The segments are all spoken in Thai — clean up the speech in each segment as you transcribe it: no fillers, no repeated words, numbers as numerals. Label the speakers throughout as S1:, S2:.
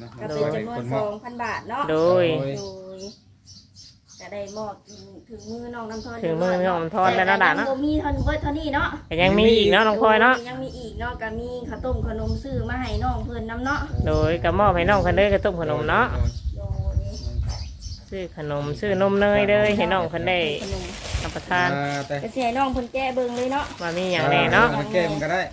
S1: ก็เป็นจำนวน2,000 บาทเนาะ
S2: โดย
S1: ก็ได้มอบถึงมือน้องน้ำทอน
S2: ถึงมือน้องน้ำทอนแล้วนะด่าเนาะ
S1: มีเท่านี้เนาะ
S2: ยังมีอีกเนาะน้องพลอยเนาะ
S1: ยังมีอีกเนาะก็มีข้าวต้มขนมซื้อมาให้น้องเพิ่นน้ำเนาะ
S2: โดยก็มอบให้น้องเพิ่นเด้อข้าวต้มขนมเนาะ
S1: โดย
S2: ซื้อขนมซื้อนมเนยเด้อให้น้องเพิ่นได้รับประทาน
S1: ก็สิให้น้องเพิ่นแก้เบิ่งเลยเนาะ
S2: ว่ามีหยังแน่เนาะ
S3: แก้มันก็ได้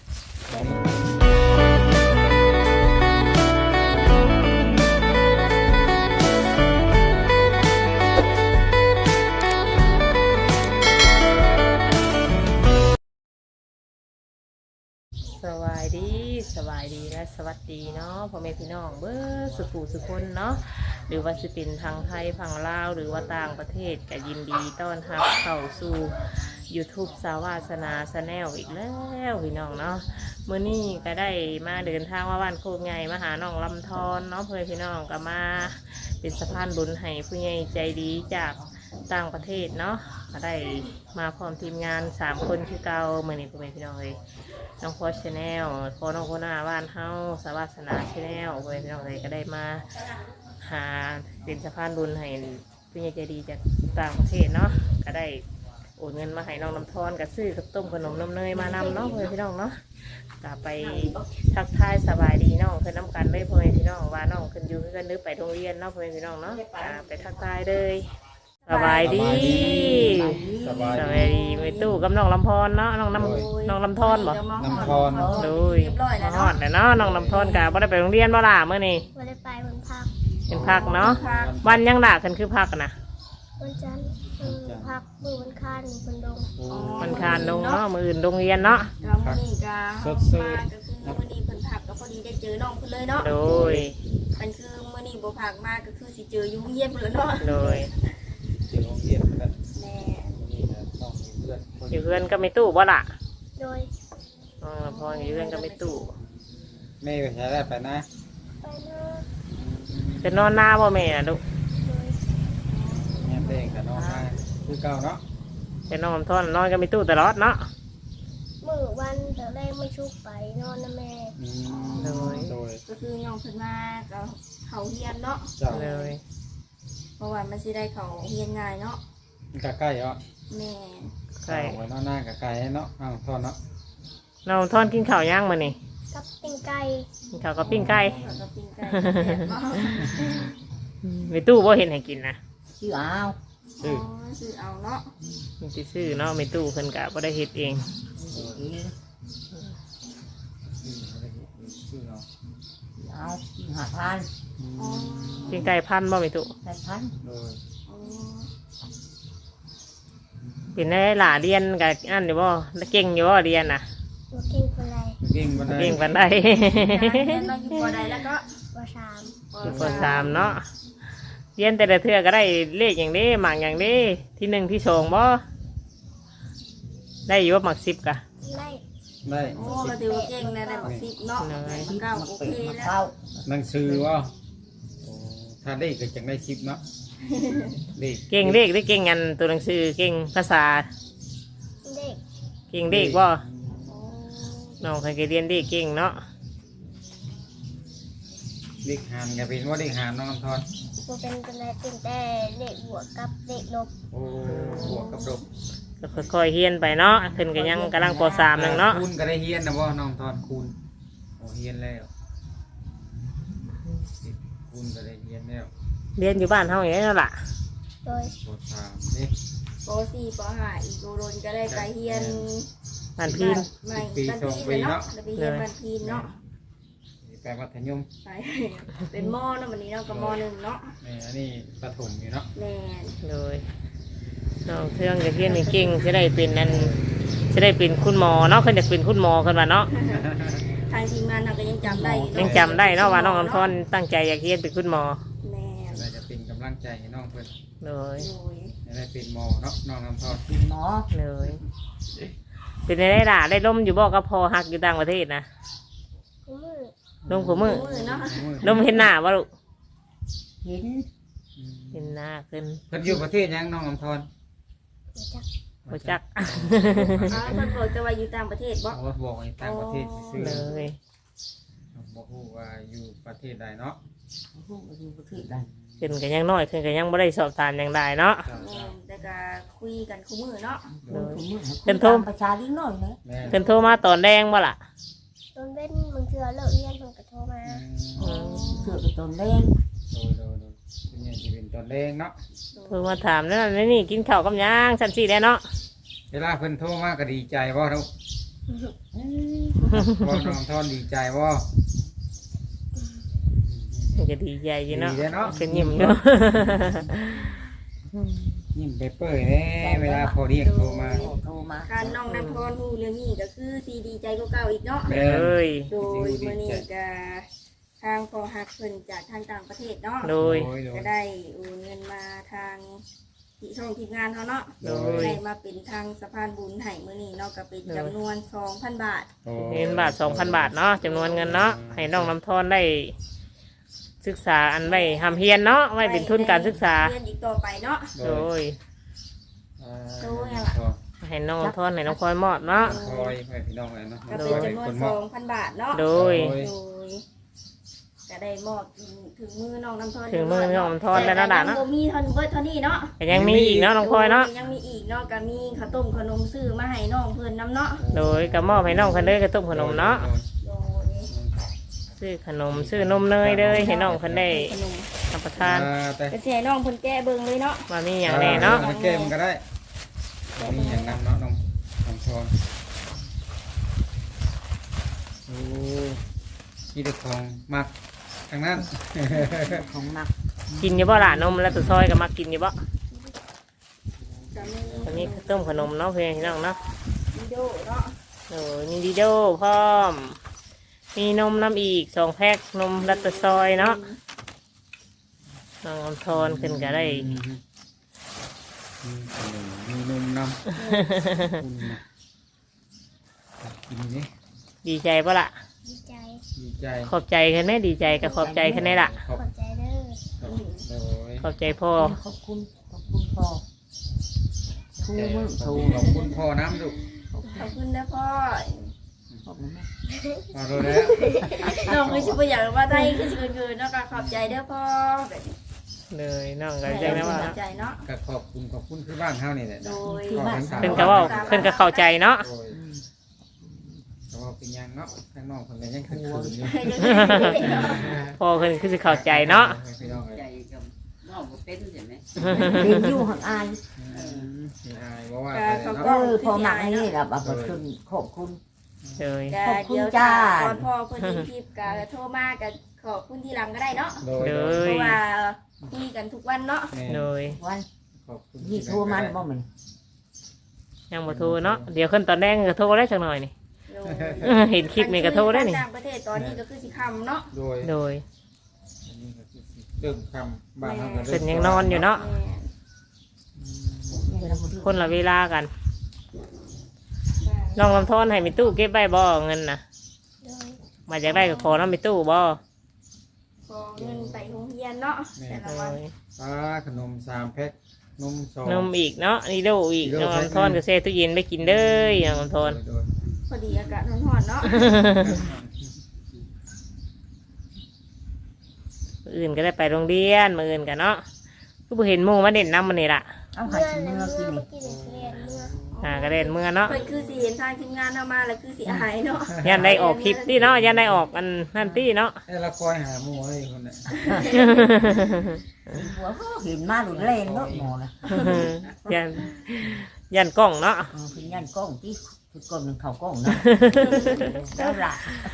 S2: สบายดีและสวัสดีเนาะพ่อแม่พี่น้องเบ้อสุขุสุคนเนาะหรือว่าสิเป็นทางไทยฝั่งลาวหรือว่าต่างประเทศก็ยินดีต้อนรับเข้าสู่ YouTube สาวาสนาชาแนลอีกแล้วพี่น้องเนาะมื้อนี้ก็ได้มาเดินทางมาบ้านโคกใหญ่มาหาน้องลำธรเนาะพ่อแม่พี่น้องก็มาเป็นสะพานบุญให้ผู้ใหญ่ใจดีจากต่างประเทศเนาะก็ได้มาพร้อมทีมงาน3 คนคือเก่ามื้อนี้พ่อแม่พี่น้องเลยน้องพอชาแนลพอน้องโคนาบ้านเฮาสาวาสนาชาแนลพ่อแม่พี่น้องเลยก็ได้มาหาเป็นสะพานบุญให้ผู้ใหญ่ใจดีจากต่างประเทศเนาะก็ได้โอนเงินมาให้น้องน้ำทอนกับซื้อกับต้มขนมน้ำเนยมานำเนาะเพื่อนพี่น้องเนาะกลับไปทักทายสบายดีน้องเพื่อนน้ำกันเลยเพื่อนพี่น้องว่าน้องขึ้นอยู่ขึ้นนึกไปโรงเรียนเนาะเพื่อนพี่น้องเนาะไปทักทายเลยสบายดี
S3: สบาย
S2: ดีไปตู้กับน้องลำพรเนาะน้องลำทอนบ่
S3: น้ำทอน
S2: ดูมาฮอดเลยเนาะน้องลำทอนกับบ่ได้ไปโรงเรียนบ่ล่ะเมื่อนี้
S4: บ่ได้ไปวันพัก
S2: เป็นพักเนาะวันยังด่ากันคือพักนะ
S4: วันจันทร์พักมือวันคานคนดง
S2: วันคานดงเนาะมืออื่นโรงเรียนเนาะ
S1: มื้อนี้ก็
S3: สด
S1: ก็คือมื้อนี้เพิ่นพักก็พอดีได้เจอน้องเพิ่นเลยเนาะ
S2: โดย
S1: มันคือมื้อนี้บ่พักมาก็คือสิเจออยู่โรงเรียนเพิ่นแล้วเนาะ
S2: โดย
S3: เจอโรงเรียนกัน
S1: แม่
S3: นี่นะต้องมีเพื่อน
S2: อยู่เพื่อนก็ไม่ตู้บ่ล่ะ
S4: โดย
S2: พออยู่เพื่อนก็ไม่ตู้
S3: แม่ไปใช้ได้ไปนะ
S4: ไปเนาะ
S2: จะนอนหน้าบ่แม่น่ะลูก
S3: แม่เต้งกับน้องมาคือเก่าเนาะ
S2: จะนอนทอนนอนก็ไม่ตู้ตลอดเนาะ
S4: มื้อวันแต่แรกไม่ชุกไปนอนนะแม่
S2: โดย
S1: ก็คือน้องเพิ่นมาก็เขาเรียนเนาะ
S2: เลย
S1: เพราะว่ามันสิได้เขาเรียนง่ายเนาะ
S3: มันก็ใกล้เหรอ
S1: แม่
S2: ใกล้
S3: ไว้นอนหน้ากับไก่เนาะน้องทอนเนาะ
S2: น้องทอนกินข้าวย่างมานี่
S4: กับปิ้งไก่
S2: กินข้าวกับปิ้งไก่ไม่ตู้บ่เห็นให้กินนะ
S5: ชื่อเอา
S1: ซื้อเอาเนาะ
S2: มันสิซื้อเนาะไม่ตู้เพิ่นก็บ่ได้เฮ็ดเอง
S5: เอา5,000
S2: ปิ้งไก่พันบ่ไม่ตู้เป็นได้หล่าเรียนกับอันอยู่บ่เก่งอยู่บ่เรียนน่ะ
S4: เก่งปานใด
S2: เก่งปานใด
S1: เราอยู่ป.ใดแล้วก็
S4: ป
S2: .3เนาะเรียนแต่ละเทื่อก็ได้เลขอย่างนี้หมากอย่างนี้ที่1ที่2บ่ได้อยู่ว่าหมาก10กะ
S3: ได้
S1: โอ้ก็ถือว่าเก่งนะได้หมาก10เนาะ9โอเคแล้ว
S3: หนังสือว่าถ้าได้ก็จังได้10เนาะ
S2: เก่งเลขได้เก่งงันตัวหนังสือเก่งภาษาเก่งเลขบ่น้องเคยเรียนเลขเก่งเนาะ
S3: เด็กหานกับเป็นว่าเด็กหานน้องทอน
S4: เป็นเป็นแต่เด็กบวกกับเด็กลบ
S3: โอ้บวกกับลบ
S2: ก็ค่อยๆเฮียนไปเนาะขึ้นก็ยังกำลังป.3นึงเนาะ
S3: คูณก็ได้เฮียนนะบ่น้องทอนคูณโอ้เฮียนแล้วคูณก็ได้เฮียนแล้ว
S2: เรียนอยู่บ้านเฮาอย่างนี้แล้วล่ะ
S4: โดย
S3: ป.3นี่
S1: ป.4 ป.5อีกโดนก็ได้ไปเฮียน
S2: บ้านพีน
S3: ปี2ปีเนาะ
S1: ไปเฮียนบ้านพีนเนาะ
S3: ไปมัธยม
S1: ไปเป็นม.เนาะวันนี้เนาะกับม.1เนาะ
S3: อันนี้ประถมอยู่เนาะ
S1: แม่
S2: เลยน้องเทืองจะเรียนเก่งจะได้เป็นนั่นจะได้เป็นคุณหมอเนาะเขาจะเป็นคุณหมอกันว่าเนาะ
S1: ทางทีมงานเราก็ยังจำได้
S2: เนาะว่าน้องลำธรตั้งใจอยากเรียนเป็นคุณหมอ
S1: แม่
S3: เราจะเป็นกำลังใจให้น้องเพื่อน
S2: เลย
S3: ได้เป็นหมอเนาะน้องลำธร
S5: เป็นหมอ
S2: เลยเป็นได้ด่าได้ล่มอยู่บ่ก็พอหักอยู่ต่างประเทศนะล่มขมือล่มเห็นหน้าบ่ลูก
S5: เ
S2: ห็นหน้าขึ้น
S3: เพิ่นอยู่ประเทศยังน้องลำธร
S2: บ่จัก
S1: เพิ่นบอกจะว่าอยู่ต่างประเทศบ่
S3: บอกอยู่ต่างประเทศซื่อ
S2: เลย
S3: บบ่ฮู้ว่าอยู่ประเทศใดเนาะ
S5: พูดอยู่ประเทศใด
S2: ขึ้นก็ยังน้อยขึ้นก็ยังบ่ได้สอบถามหยังได้เนาะ
S3: จ้า
S1: แม่นแต่ก็คุยกันคู่มือเนาะ
S5: โดยผม
S2: เป็นโทร
S5: ประชาลิงน้อยนะ
S3: แม่
S2: เพิ่นโทรมาตอนแดงบ่ล่ะ
S4: ตอนเว้นบางเทื่อเลิกเรียนเพิ่นก็โทรมา
S5: เสือกับตนเล่น
S3: โดยเป็นอย่างที่เป็นตอนแดงเนาะ
S2: โทรมาถามนั่นนี่กินข้าวกับหยังซั่นสิแหล้วเนาะ
S3: เวลาเพิ่นโทรมาก็ดีใจบ่ทุกบ่น้องทอนดีใจบ่
S2: มันก็ดีใจอยู่เนาะ
S3: ดีเนาะ
S2: เป็นยิ้มอยู่
S3: ยิ้มไปเปื่อยแน่เวลาพอเรียกโทรมา
S5: โทรมา
S1: การน้องน้ำพรฮู้เรื่องนี้ก็คือสิดีใจกว่าเก่าอีกเนาะ
S3: แม่
S2: เอ้ย
S1: โดยมื้อนี้ก็ทางพอฮักเพิ่นจากทางต่างประเทศเนาะ
S2: โดย
S1: ก็ได้โอนเงินมาทางที่ช่องทีมงานเขาเนาะ
S2: โดย
S1: ได้มาเป็นทางสะพานบุญให้มื้อนี้เนาะก็เป็นจำนวน 2,000 บาท
S2: เงินบาท 2,000 บาทเนาะจำนวนเงินเนาะให้น้องน้ำทอนได้ศึกษาอันไว้ทำเฮียนเนาะไว้เป็นทุนการศึกษา
S1: เรียนอีกต่อไปเนาะ
S2: โดย
S1: โดยอะล่ะ
S2: ให้น้องน้ำทอนให้น้องพลอยมอบเนาะ
S3: คอยให้พี่น้องเลยเนาะ
S1: ก็เป็นจำนวน 2,000 บาทเนาะ
S2: โดย
S1: โดยก็ได้มอบถึงมือน้องน้ำทอน
S2: ถึงมือน้องน้ำทอนแล้วนะด่าเนาะ
S1: แต่ก็ยังบ่มีเท่าเบิดเท่านี้เนาะ
S2: แต่ยังมีอีกเนาะน้องพลอยเนาะ
S1: ยังมีอีกเนาะก็มีข้าวต้มขนมซื้อมาให้น้องเพิ่นน้ำเนาะ
S2: โดยก็มอบให้น้องคนเด้อกระตุ้มขนมเนาะ
S1: โดย
S2: ซื้อขนมซื้อนมเนยเลยให้น้องคนได้
S1: ขนม
S2: รับประทาน
S3: แต่
S1: ก็สิให้น้องเพิ่นแก้เบิ่งเลยเนาะ
S2: มามีอย่างแน่เนาะ
S3: เกมก็ได้มีอย่างนั้นเนาะน้องทอนโอ้มีแต่ของมักทางนั้น
S5: ของหนัก
S2: กินอยู่บ่ล่ะนมแล้วตัวซอยก็มากินอยู่บ่
S1: ก็มี
S2: ก็มีข้าวต้มขนมเนาะเพื่อนพี่น้องเนาะ
S1: วิดีโอเนาะ
S2: โอ้ยมีดีโดพร้อม มีนมน้ำอีก2 แพ็คนมรัตซอยเนาะน้องอมทอนขึ้นก็ได้
S3: มีนมนำกินนี่
S2: ดีใจป่ะล่ะ
S4: ดีใจ
S3: ดีใจ
S2: ขอบใจขึ้นไหมดีใจก็ขอบใจขึ้นได้ล่ะ
S3: ขอบ
S4: ขอบใจเด้อ
S3: โอ้ย
S2: ขอบใจพ่อ
S5: ขอบคุณพ่อทูมือทู
S3: ขอบคุณพ่อน้ำลูก
S1: ขอบคุณนะพ่อ
S5: ขอบคุณแม่
S3: มาดูแล้ว
S1: น้องคือสิบ่อยากว่าได้คือสิเกินๆเนาะก็ขอบใจเด้อพ่อแบบนี้
S2: เลยน้องก็ใจนะว่า
S1: ขอบใจเนาะ
S3: ก็ขอบคุณคือบ้านเฮานี่แหละ
S1: โดย
S3: ขอบคุณสาม
S2: เพิ่นก็เว่าเพิ่นก็เข้าใจเนาะ
S3: โอ้ยก็ว่าเป็นยังเนาะข้างนอกเพิ่นก็ยังคืนอยู่
S2: พ่อเพิ่นคือสิเข้าใจเนาะ
S3: พี่น้องเอ้ย
S6: ใจกับน้องบ่เป็นใช่ไหม
S5: เรียนอยู่ห่างอาย
S3: พี่อายบ่ว่า
S1: เขา
S3: แต่
S1: ก็
S3: เนาะ
S5: พอหนักนี่แหละแบบคุณขอบคุณ
S2: เลย
S1: ก็
S5: ขอบคุณ
S1: เดี๋ยว
S5: จ้า
S1: ตอนพ่อเพิ่นมีคลิปก็โทรมาก็ขอบคุณทีหลังก็ได้เนาะ
S3: โดย
S2: เล
S1: เพ
S2: ย
S1: ราะว่าคุยกันทุกวันเนาะ
S2: เลย
S5: วัน
S3: ขอบคุณ
S5: นี่โทรมาหรือเปล่ามัน
S2: ยังบ่โทรเนาะเดี๋ยวขึ้นตอนแรกก็โทรได้สักหน่อยนี่
S1: โดย
S2: เห็นคลิปนี่ก็โทรได้นี่
S1: ต่างประเทศตอนนี้ก็คือสิคำเนาะ
S3: โดย
S2: โดย
S3: อันนี้ก็คือเริ่มคำบ้านเฮาก็
S2: เพิ่นยังนอนอยู่เนาะ คนละเวลากันน้องลำทอนให้มีตู้เก็บใบบ่เงินนะ
S4: โดย
S2: มาจากได้ก็ขอน้ำมีตู้บ่
S1: ขอเงินไปโรงเรียนเนาะแต่ละวัน
S3: ปลาขนม3แพ็คนม2
S2: นมอีกเนาะนี่ดูอีกน้องลำทอนก็เซ่ตู้เย็นไปกินเด้อน้องลำทอน
S3: โดย
S1: พอดีอากาศร้อนๆเนาะ
S2: มื้ออื่นก็ได้ไปโรงเรียนมื้ออื่นกันเนาะก็บ่เห็นหมู่มาเด่นน้ำมันนี่ล่ะ
S5: เอาหา
S4: เมื่อ
S5: ชิม
S4: เมื่
S5: เมื่
S4: อ
S5: อกิน
S4: เมื่อกี้เรียนเมื่อ
S2: ก็เด่นเมื่อเนาะ
S1: เพิ่นคือสิเห็นทางทีมงานเอามาแล้วคือสิอายเนาะ
S2: ยันได้ออกคลิปที่เนาะยันได้ออกอันนั่นที่เนาะ
S3: ให้เราคอยหาหมู่ให้คนน่ะ
S5: หัวเห็นมาหลุดเล่นรถหมอนะ
S2: ยันยันกล้องเนาะ
S5: คือยันกล้องที่คือกล้องหนึ่งเขากล้องนะแล้วละ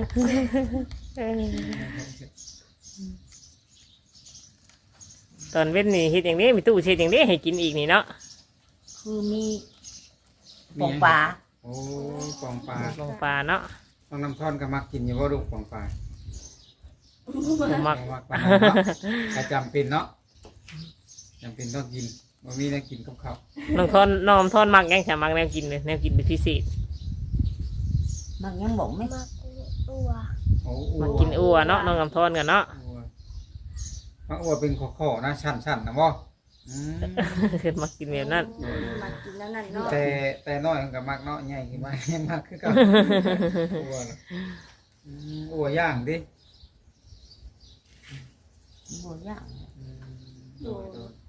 S2: ตอนเว้นนี่เฮ็ดอย่างนี้มีตู้เช็ดอย่างนี้ให้กินอีกนี่เนาะ
S5: คือมีปองปลา
S3: โอ้ปองปลา
S2: ลงปลาเนาะ
S3: ต้องน้ำท่อนก็มักกินอยู่บ่ลูกปองปลา
S2: บ่มัก
S3: มักปลาเนาะก็จำเป็นเนาะจำเป็นต้องกินบ่มีได้กินกับข้าว
S2: น้องทอนน้องทอนมักยังจะมักแนวกินเลยแนวกินเป็นพิเศษ
S5: มันยังบอกไม่
S4: มาตัว
S3: โอ้
S2: มักกินอัวเนาะน้องลำทอนกันเนาะ
S3: มักอัวเป็นข้อๆนะชั้นๆนะบ่อืม
S2: คือมักกินแบบนั้น
S1: มากินแล้วนั่นเนาะ
S3: แต่น้อยมันก็มักเนาะใหญ่ขึ้นมา มักคือเกันอัวน่ะอัวย่างดิ
S5: บ่ย่าง
S3: โดยโดย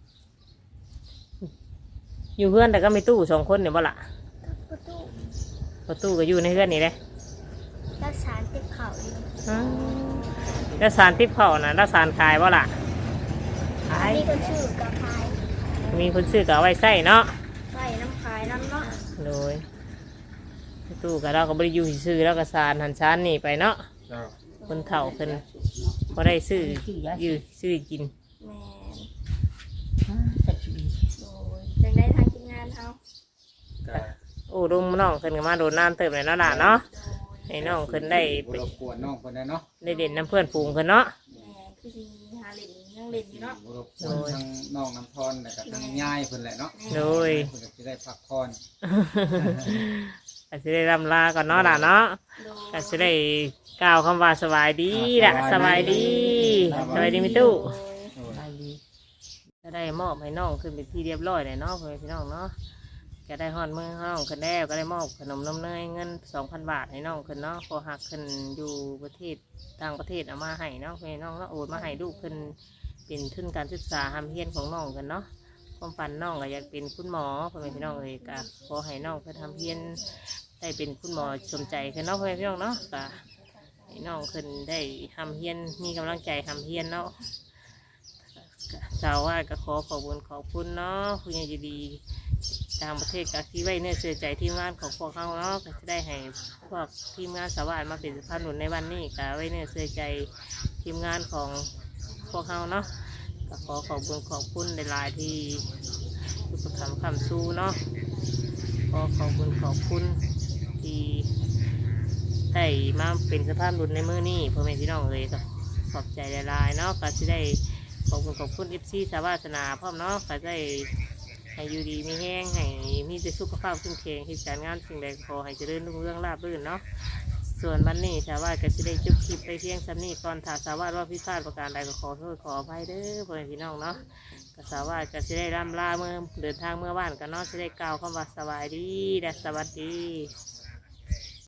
S2: อยู่เพื่อนแต่ก็มีตู้สองคนเนี่ยบ่ละ
S4: ประตู
S2: ประตูก็อยู่ในเพื่อนนี่เลย
S4: รักษาติดเข่าอยู่
S2: แล้วสารทิพย์เขานะแล้วสารขายบ่ละ
S4: มีคนชื่อกับพาย
S2: มีคนซื้อก็เอาไว้ใส่เนาะ
S1: ใส่น้ำขายน้ำเนาะ
S2: โดยประตูก็เราก็บริยูซื้อแล้วก็สารหันชานนี่ไปเนาะ
S3: เจ้า
S2: คนเฒ่าคนก็ได้ซื้ออยู่ซื้อกิน
S1: แม่น
S5: สักชีวิต
S1: โดยจังได้ทางทีมงานเขา
S3: ก็
S2: โอ้ลุงน้องขึ้นก็มาโดนน้ำเติมเลยเนาะล่ะเนาะให้น้องขึ้นได้
S3: บ่รบกวนน้องคนนั้นเนาะ
S2: ได้เด่นน้ำเพื่อนฝูงขึ้นเนาะ
S1: แม่นคือสิหาเล่นยังเล่นอยู่เนาะ
S3: บ่รบกวนทั้งน้องน้ำทอนแล้วก็ทั้งยายเพิ่นแหละเนาะ
S2: โดย
S3: เพิ่นก็สิได้พักผ่อน
S2: อาจจะได้รำลาก่อนเนาะล่ะเนาะ
S1: โดย
S2: อาจจะได้กล่าวคำว่าสบายดีล่ะสบายดีสบายดีมิตู้
S1: โดย
S3: โดย
S5: ไปดี
S2: จะได้มอบให้น้องขึ้นเป็นที่เรียบร้อยเลยเนาะเพื่อนพี่น้องเนาะก็ได้ฮอดมือน้องขึ้นแล้วก็ได้มอบขนมนมเนยเงิน 2,000 บาทให้น้องขึ้นเนาะพอหักขึ้นอยู่ประเทศต่างประเทศเอามาให้เนาะเพื่อนน้องเนาะโอนมาให้ลูกขึ้นเป็นทุนการศึกษาทำเฮียนของน้องกันเนาะความฝันน้องก็อยากเป็นคุณหมอเพื่อนพี่น้องเลยก็ขอให้น้องขึ้นทำเฮียนได้เป็นคุณหมอสมใจขึ้นเนาะเพื่อนพี่น้องเนาะก็ให้น้องขึ้นได้ทำเฮียนมีกำลังใจทำเฮียนเนาะ สาวว่าก็ขอขอบคุณขอบคุณเนาะคุณยายดีต่างประเทศก็ที่ไว้เนื้อเชื่อใจทีมงานของพวกเขาเนาะก็จะได้ให้พวกทีมงานสาวามาเป็นสะพานหนุนในวันนี้ก็ไว้เนื้อเชื่อใจทีมงานของพวกเขาเนาะก็ขอขอบคุณขอบคุณในหลายๆที่ทุกคำคำสู้เนาะขอขอบคุณขอบคุณที่ได้มาเป็นสะพานหนุนในมือนี้พ่อแม่พี่น้องเลยก็ขอบใจหลายๆเนาะก็จะได้ขอบคุณขอบคุณFC สาวาสนาพร้อมเนาะก็ได้ให้อยู่ดีมีแห้งให้มีแต่สุขภาพขึ้นแข็งที่การงานสิ่งใดขอให้เจริญรุ่งเรืองราบรื่นเนาะส่วนวันนี้สาวาก็จะได้จุบคลิปไปเพียงซ้ำนี้ก่อนถ้าสาวาว่าพิพาทประการใดก็ขอโทษขออภัยเด้อพ่อแม่พี่น้องเนาะก็สาวาก็จะได้ร่ำลาเมื่อเดินทางเมื่อวานกันเนาะจะได้กล่าวคำว่าสวัสดีและสวัสดี